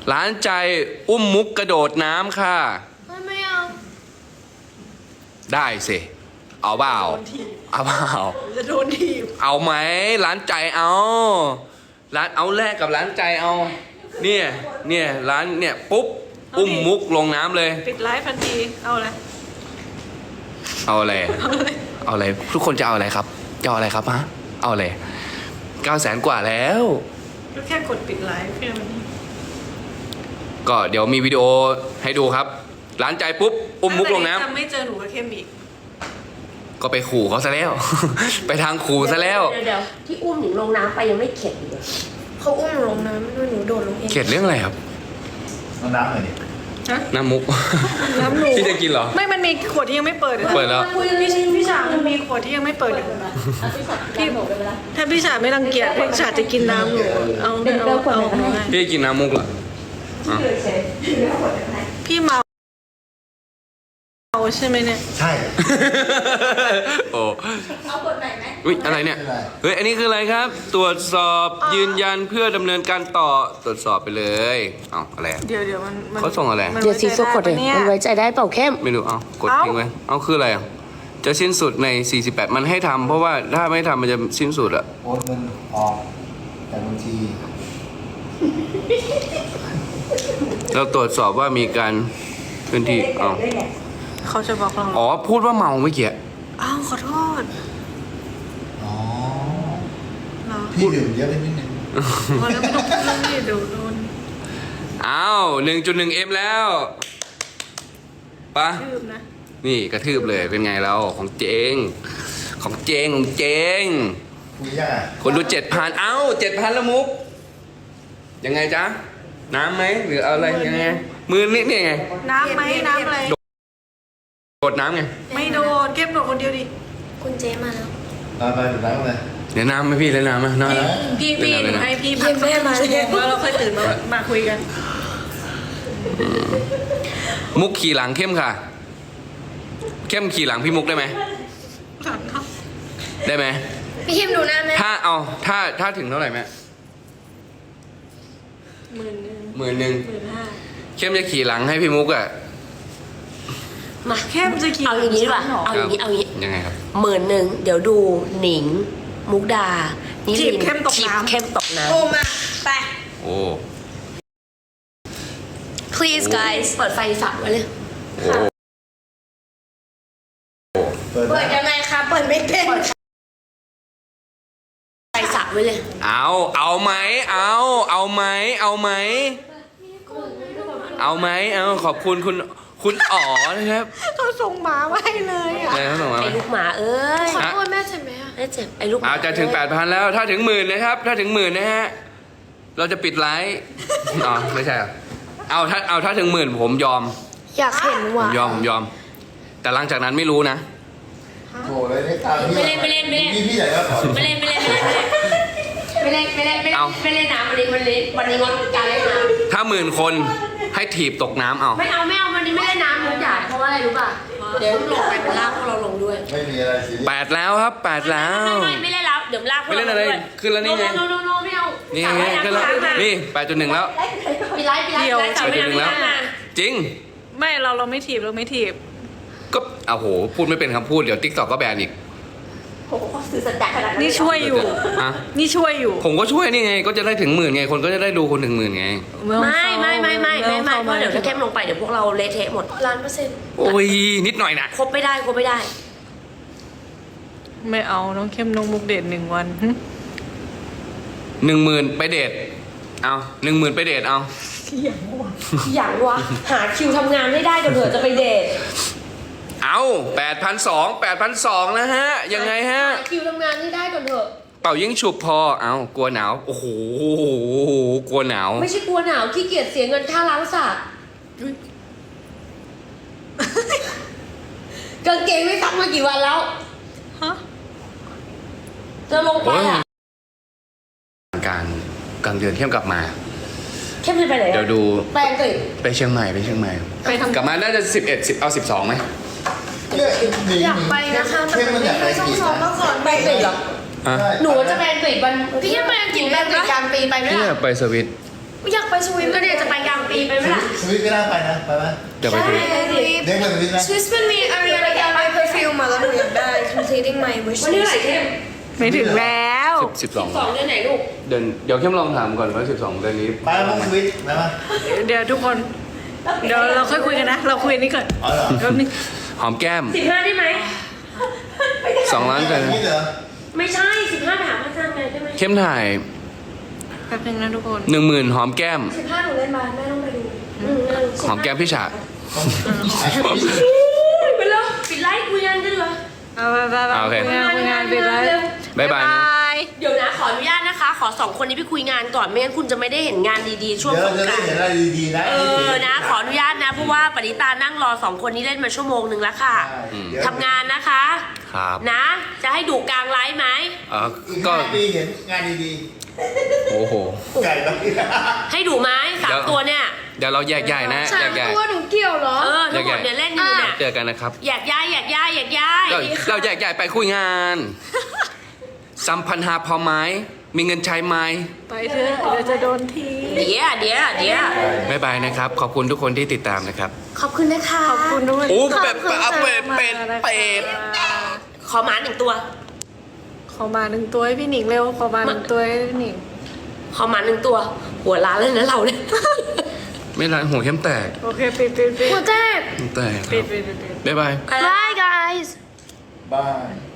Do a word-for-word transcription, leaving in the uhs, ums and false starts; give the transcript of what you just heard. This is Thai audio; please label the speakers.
Speaker 1: ร้านใจอุ้มมุกกระโดดน้ำค่ะ
Speaker 2: ไม่ไม่เอา
Speaker 1: ได้สิเอาเปล่าเอาเปล่า
Speaker 2: จะโดนทีบ
Speaker 1: เอาไหมร้านใจเอาร้านเอาแรกกับร้านใจเอาเนี่ยเนี่ยร้านเนี่ยปุ๊บอุ้มมุกลงน้ำเลย
Speaker 2: ปิดไลฟ์ทันทีเอาอะไร
Speaker 1: เอาอะไรเอาอะไรทุกคนจะเอาอะไรครับจะเอาอะไรครับฮะเอาอะไรเก้าแสนกว่าแล้ว
Speaker 2: ก็แค่กดปิดไลฟ์แค่นี้
Speaker 1: ก็เดี๋ยวมีวิดีโอให้ดูครับร้านใจปุ๊บอุ้มมุกลงน้ำ
Speaker 2: ถ้าไม่เจอหนูก็เข้มอีก
Speaker 1: ก็ไปขู่เขาซะแล้ว ไปทางขู่ซะแล้ว
Speaker 3: เดี๋ยวที่อุ้มหนูลงน้ำไปยังไม่เข็ดเลย
Speaker 2: เขาอุ้มหนูลงน้ำไม่ด้วยหนูโดดลงเอง
Speaker 1: เข็ดเรื่องอะไรครับ
Speaker 4: น้ำอะไรดิ
Speaker 1: น้ำมุก
Speaker 2: น้ำหนู
Speaker 1: ที่จะกินเหรอ
Speaker 2: ไม่มันมีขวดที่ยังไม่เปิด
Speaker 1: เปิดแล้ว
Speaker 2: พี่พี่ฉามันมีขวดที่ยังไม่เปิดอยู่พี่ถ้าพี่ฉาไม่รังเกียจพี่ฉาจะกินน้ำหนูเอาเอาเอา
Speaker 1: พี่กินน้ำมุกเหรอ
Speaker 2: พี่เมาใช่ไหมเนี่ย
Speaker 4: ใช่
Speaker 1: โอ้เอากดไหนไหมอุ้ยอะไรเนี่ยเฮ้ยอันนี้คืออะไรครับตรวจสอบยืนยันเพื่อดำเนินการต่อตรวจสอบไปเลยเอาอะไร
Speaker 2: เดี๋ยวเดี๋ยวมัน
Speaker 1: เขาส่งอะไร
Speaker 3: เดี๋ยวซีซัวกดเลยมันไว้ใจได้เปล่าเข้ม
Speaker 1: ไม่รู้เอากดทิ้งไว้เอาคืออะไรจะสิ้นสุดในสี่สิบแปดมันให้ทำเพราะว่าถ้าไม่ทำมันจะสิ้นสุดอะ
Speaker 4: โอนเงินออกแต่บัญชี
Speaker 1: เราตรวจสอบว่ามีการพื้นที่อ๋อ
Speaker 2: เขาจะบอกเรา
Speaker 1: อ๋อพูดว่าเมาเมื่อกี้
Speaker 2: อ้าวขอโทษ
Speaker 4: อ๋อพี่ดื่มเยอะไปนิดนึง
Speaker 2: พอแล้วไม่ต้องพูดเรื่องนี้เดี๋ยวโดน
Speaker 1: อ้าวหนึ่งจุดหนึ่งเอ็มแล้วปะนี่กระทืบเลยเป็นไงเราของเจงของเจงของเจงคนดูเจ็ดพันเอ้าเจ็ดพันละมุกยังไงจ๊ะน้ำไหมหรืออะไรยังไงมือนี่นี่ไง
Speaker 2: น้ำไหมน้ำอะไร
Speaker 1: โดดน้ำไง
Speaker 2: ไม่โดดเก็บโดดคนเดียวดิ
Speaker 3: คุณเจมาแล้ว
Speaker 4: น้ำไปถึงน้ำเลย
Speaker 1: เดี๋ยวน้ำไหมพี่เลยน้ำไหมน้
Speaker 2: ำพี่พี่ให้พี่พักแม่มาแล้วเราค่อยตื่นมามาคุยกัน
Speaker 1: มุกขี่หลังเข้มค่ะเข้มขี่หลังพี่มุกได้ไหมได้ไหม
Speaker 3: พี่เข้มดูหน้าแม่
Speaker 1: ถ้าเอาถ้าถ้าถึงเท่าไหร่แม่
Speaker 2: หมื่นหนึ่ง
Speaker 1: หมื่นหนึ่ง
Speaker 2: หมื่นห้า
Speaker 1: เข้มจะขี่หลังให้พี่มุกอ่ะ
Speaker 3: มาเข้มจะขี่เอาอย่างนี้ดีกว่าเอาอย่างนี้เอาอย่างนี้
Speaker 1: ยังไงครับ
Speaker 3: หมื่นหนึ่งเดี๋ยวดูหนิงมุกดา
Speaker 2: นี่ลินเข้มตกน้ำ
Speaker 3: เข้มตกน้ำ
Speaker 2: โอ้มาไป
Speaker 1: โอ้
Speaker 3: please guys เปิดไฟฝักไว้เลย
Speaker 2: เปิดยังไงคะเปิดไม่เป็น
Speaker 3: ไฟสักไว้เลย
Speaker 1: เอาเอาไหมเอาเอาไหมเอาไหมเอาไหมเอาขอบคุณคุณคุณอ๋อนะครับ
Speaker 2: เขาส่งหมาไว้เลยอ่ะ
Speaker 1: ไอ้
Speaker 3: ลูกหมาเอ้ย
Speaker 2: ขอโทษแม่เจ็บไหม
Speaker 3: ไม่เจ็บไอ้ลูก
Speaker 1: อาจะถึงแปดพันแล้วถ้าถึงหมื่นนะครับถ้าถึงหมื่นนะฮะเราจะปิดไลฟ์อ๋อไม่ใช่เอาถ้าเอาถ้าถึงหมื่นผมยอม
Speaker 2: อยากเห็นว่ะ
Speaker 1: ผมยอมผมยอมแต่หลังจากนั้นไม่รู้นะ
Speaker 4: โถ่เลยไม่ตาม
Speaker 3: ไม่เล่นไม่เล่นไม่เล่น
Speaker 4: พี่ใหญ่ก็ขอ
Speaker 3: ไม่เล่นไม่เล่นไม่เล่นไม่เล่นไม่เล่นไม่เล่นน้ำวันนี้วันนี้วันนี้งดการเล่นน้
Speaker 1: ำถ้าหมื่นคนให้ถีบตกน้ำเอา
Speaker 3: ไม่เอาไม่เอาวันนี้ไม่เล่นน้ำมุกใหญ่เพราะว่าอะไรรู้ป่ะเดี๋ยวลงไปเป็นลากพวกเราลงด้วย
Speaker 4: ไม่มีอะไรสิ
Speaker 1: แปดแล้วครับแปดแล้ว
Speaker 3: ไม่ไม่เล่นแล้วเดี๋ยวลากพวกเรา
Speaker 1: ด้วยขึ้นแล้วนี่ไง
Speaker 3: โนโนโนไม่เอา
Speaker 1: นี่ไงขึ้นแล้วนี่แปดจุดหนึ่งแล้ว
Speaker 3: ปีไลฟ์ปีไลฟ์
Speaker 1: แปดจุดหนึ่งแล้วจริง
Speaker 2: ไม่เราเราไม่ถีบเราไม่ถีบ
Speaker 1: ก็โอ้โหพูดไม่เป็นคำพูดเดี๋ยวติ๊กต็อกก็แบนอีก
Speaker 3: โอ้โหสื่อสัจจะขนาดนั้น
Speaker 2: นี่ช่วยอยู่นี่ช่วยอยู่
Speaker 1: ผมก็ช่วยนี่ไงก็จะได้ถึงหมื่นไงคนก็จะได้ดูคนถึงหมื่นไง
Speaker 3: ไม่ไม่ไม่ไม่ไม่ไม่เพราะเดี๋ยวถ้าเข้มลงไปเดี๋ยวพวกเราเละเทะหมดล้านเปอร์เซ็นต์
Speaker 1: โอ้ยนิดหน่อยนะ
Speaker 3: ครบไม่ได้ครบไม่ได้
Speaker 2: ไม่เอาน้องเข้มน้องมุกเดทหนึ่งวัน
Speaker 1: หนึ่งหมื่นไปเดทเอาหนึ่งหมื่นไปเดทเอา
Speaker 3: อย่างวะอย่างวะหาคิวทำงานไม่ได้เดี๋ยวเผื่อจะไปเดท
Speaker 1: เอาแปดพันสองแปดพันสองนะฮะยังไงฮะ
Speaker 3: คิวทำงานไม่ได้ก่อนเถอะ
Speaker 1: เป่ายิ่งฉุบพอเอากลัวหนาวโอ้โหกลัวหนาว
Speaker 3: ไม่ใช่กลัวหนาวขี้เกียจเสียเงินค่าล้างสระกางเกงไม่ซักมากี่วันแล้วฮะจะลงไปอ่ะ
Speaker 1: การกลางเดือนเข้มกลับมา
Speaker 3: เข้มไปไหน
Speaker 1: เดี๋ยวดู
Speaker 3: ไปอังกฤษ
Speaker 1: ไปเชียงใหม่ไปเชียงใหม่กลับมาน่าจะสิบเอ็ดสิบเอาสิบสองไหม
Speaker 2: อยากไปนะคะแต่ไม่เคยต้องซ้อมมาก่อน
Speaker 3: ไปอังกฤษเหรอหนูจะไปอังกฤษวัน
Speaker 2: พี่ยังไปอังกฤษแบบกลางปีไปไหมล่ะ
Speaker 1: พี่ไปสวิต
Speaker 5: อยากไปสวิต
Speaker 3: ก็เนี่ยจะไปกลางปีไปไหมล่ะ
Speaker 4: สวิตก็น่าไปนะไปไหม
Speaker 1: เดี๋ยวไปดู
Speaker 4: เด็กไปสวิตไหม
Speaker 5: สวิตมันมีอาริยานาการเพอร์ฟิวมาแล้วหนูอยากได้ completing my wish
Speaker 3: วันนี้เท่าไหร่เข้ม
Speaker 2: ไม่ถึงแล้ว
Speaker 1: สิบสอง
Speaker 3: สองเดือนไหนลูก
Speaker 1: เดือนเดี๋ยวเข้มลองถามก่อนว่าสิบสองเดือนนี้
Speaker 4: ไปมั้งสวิตไปไหม
Speaker 2: เดี๋ยวทุกคน เดี๋ยวเราค่อยคุยกันนะ เราคุยอันนี้ก่อน
Speaker 4: อ๋อเหรอ
Speaker 2: แป๊บนึง
Speaker 1: หอมแก้ม
Speaker 3: สิบห้าได้ไหม
Speaker 1: สองล้านกัน
Speaker 4: สวิตเหรอ
Speaker 3: ไม่ใช่สิบห้าไปหาพระอาจารย์ไงได้ไหม
Speaker 1: เข้มถ่าย
Speaker 2: แป๊บนึงนะทุกคน
Speaker 1: หนึ่งหมื่นหอมแก้ม
Speaker 5: สิบห้าหนูเล่นมาแม่ต้องไปดู
Speaker 3: อืมเออ
Speaker 1: หอมแก้มพี่ฉา
Speaker 3: ไปแล้วปิดไลฟ์คุยกันกันเหรอ
Speaker 2: เอาไปไปไป
Speaker 1: โอเค
Speaker 2: คุยงานคุยงานไปเลย
Speaker 1: บ๊ายบายนะ
Speaker 3: เดี๋ยวนะขออนุญาตนะคะ ขอสองคนนี้ไปคุยงานก่อนไม่งั้นคุณจะไม่ได้เห็นงานดีๆช่วง
Speaker 4: เดี๋ย
Speaker 3: ส
Speaker 4: ว
Speaker 3: ง
Speaker 4: จะ
Speaker 3: ก
Speaker 4: ได้
Speaker 3: รานต์
Speaker 4: เห็นอะไรดีๆนะ
Speaker 3: เออนะ ขออนุญาตนะเพราะว่าปณิตานั่งรอสองคนนี้เล่นมาชั่วโมงหนึ่งแล้วค่ะ
Speaker 4: เดี๋ยว
Speaker 3: ทำงานนะคะ
Speaker 1: ครับ
Speaker 3: นะ จะให้ดูกลางไลฟ์ไหม
Speaker 1: เออ
Speaker 4: อีก
Speaker 1: ก็
Speaker 4: ห้าปีเห็นงานดี
Speaker 1: โอ้โห
Speaker 4: ๆไก่บ้าง
Speaker 3: ให้ดูไหมสามตัวเนี่ย
Speaker 1: เดี๋ยวเราแยกย้ายนะ
Speaker 5: สา
Speaker 1: แย
Speaker 5: ม
Speaker 1: กย้าย
Speaker 5: ตัวหนูเกี่ยวเหรอ
Speaker 3: เออทั้งหมดเนี่ยเล่นอยู่เนี่ย
Speaker 1: เจอกันนะครับ
Speaker 3: อยากย้ายอยากย้ายอยากย้าย
Speaker 1: เราเราแยกย้ายไปคุยงานสัมพันธ์หาพอไหมมีเงินใช้ไหม
Speaker 2: ไปเถอะเดี๋ยวจะโดนที
Speaker 3: เดี๋ยวเดี๋ยวเดี๋ยว
Speaker 1: บ๊ายบายนะครับ ขอบคุณทุกคนที่ติดตามนะครับ
Speaker 3: ขอบคุณนะคะ
Speaker 2: ขอบคุณด้วย
Speaker 1: โอ้เป็ดเป็ดเอาเป็ดเป็ดเป็ด
Speaker 3: ขอหมาหนึ่งตัว
Speaker 2: ขอมาหนึ่งตัวให้พี่หนิงเร็ว ขอมาหนึ่งตัวให้พี่หนิง
Speaker 3: ขอหมาหนึ่งตัว หัวล้านเลยนะเราเนี่ย
Speaker 1: ไม่ไรหัวเข้มแตก
Speaker 2: โอเคปิดปิดปิด
Speaker 5: หัวแตก
Speaker 1: เข้มแตกค
Speaker 2: ปิ
Speaker 1: รั
Speaker 2: ด
Speaker 1: บ
Speaker 2: ปิดปิดปิด
Speaker 1: บ๊ายบาย
Speaker 5: Bye guys
Speaker 4: บ้าย